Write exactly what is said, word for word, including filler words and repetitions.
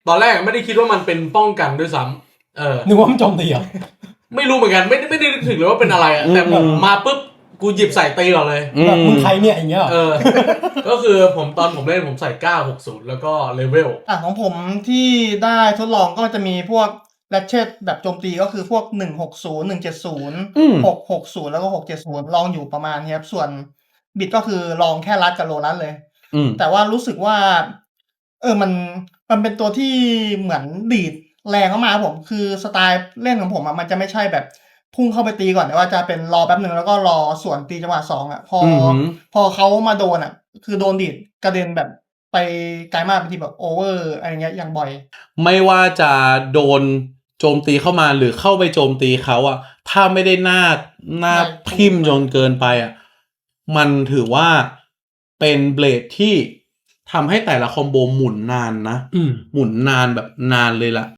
ตอนแรกไม่ได้คิดว่ามันเป็นป้องกันด้วยซ้ำเออนึกว่ามันโจมตีเหรอไม่รู้เหมือนกันไม่ไม่ได้นึกถึงเลยว่าเป็นอะไรอ่ะแต่แบบมาปุ๊บกูหยิบใส่ตีก่อนเลยแบบมึงใครเนี่ยอย่างเงี้ยเออก็คือผมตอนผมเล่นผมใส่เก้าหกศูนย์แล้วก็เลเวลอ่ะของผมที่ได้ทดลองก็จะมีพวกแรชเชตแบบโจมตีก็คือพวกหนึ่งหกศูนย์ หนึ่งเจ็ดศูนย์ หกหกศูนย์แล้วก็หกเจ็ดศูนย์ลองอยู่ประมาณนี้ครับส่วนบิดก็คือลองแค่รัดกับโลรัดเลยแต่ว่ารู้สึกว่าเออมันมันเป็นตัวที่เหมือนดีดแรงเข้ามาผมคือสไตล์เล่นของผมอ่ะมันจะไม่ใช่แบบพุ่งเข้าไปตีก่อนแต่ว่าจะเป็นรอแป๊บหนึ่งแล้วก็รอสวนตีจังหวะสองอ่ะพอพอเขามาโดนอ่ะคือโดนดีดกระเด็นแบบไปไกลมากบางทีแบบโอเวอร์อะไรเงี้ยอย่างบ่อยไม่ว่าจะโดนโจมตีเข้ามาหรือเข้าไปโจมตีเขาอ่ะถ้าไม่ได้หน้าหน้าทิ่มจนเกินไปอ่ะมันถือว่าเป็นเบลดที่ทำให้แต่ละคอมโบหมุนนานนะหมุนนานแบบนานเลยล่ะ